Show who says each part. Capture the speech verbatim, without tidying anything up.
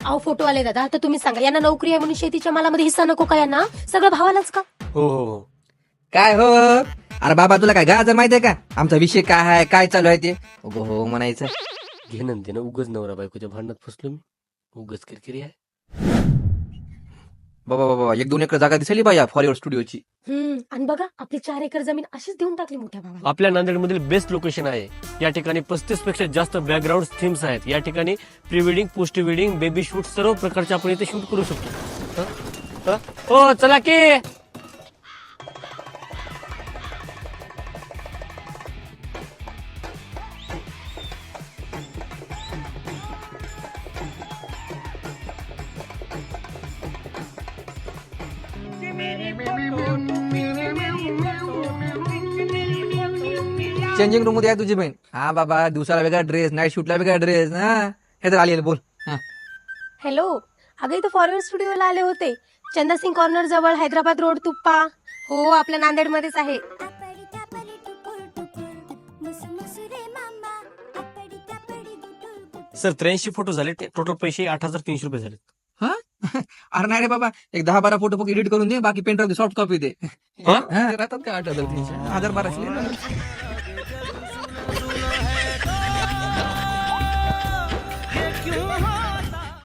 Speaker 1: अहो फोटोवाले दादा, आता तुम्ही सांगा, यांना नोकरी आहे म्हणून शेतीच्या मालामध्ये हिस्सा नको का यांना? सगळं भावालाच का?
Speaker 2: हो हो हो.
Speaker 3: काय हो अरे बाबा तुला काय गाजर माहितीये का आमचा विषय काय आहे काय चालू आहे ते उगं हो म्हणायचं.
Speaker 2: घेणं देणं उगच नवरा बायकोच्या भांडणात फसलो मी. उगच किरकिरी आहे.
Speaker 3: बाबा बाबा एक दोन एकर जागा दिसली बा या फॉरवर्ड स्टुडिओची.
Speaker 1: हम्म आणि बघा, आपली चार एकर जमीन अशीच देऊन टाकली मोठ्या भावाला.
Speaker 2: आपल्या नांदेडमधील बेस्ट लोकेशन आहे. या ठिकाणी पस्तीस पेक्षा जास्त बॅकग्राऊंड थीम्स आहेत. या ठिकाणी pre wedding, post wedding, baby shoot सर्व प्रकारचे आपण इथे शूट करू शकतो. हं? हं? हो चला की.
Speaker 3: चेंजिंग रूम मध्ये आहे तुझी बहीण. हा बाबा दिवसाला वेगळा ड्रेस, नाईट शूटला वेगळा ड्रेस. हा हे तर आली बोल. हा.
Speaker 1: हॅलो, अगं इथं फॉरवर्ड स्टुडिओला आले होते. चंदासिंग कॉर्नर जवळ, हैदराबाद रोड, तुप्पा. हो, आपल्या नांदेडमध्येच आहे.
Speaker 2: सर त्र्याऐंशी फोटो झाले. टोटल पैसे आठ हजार तीनशे रुपये झाले.
Speaker 3: हा? अरे नाही रे बाबा एक दहा बारा फोटो फक्त एडिट करून दे बाकी पेन ड्राईव्ह सॉफ्ट कॉपी दे.
Speaker 2: हा?
Speaker 3: हा, राहतात का आठ हजार तीनशे हजार बाराशे.
Speaker 4: क्यों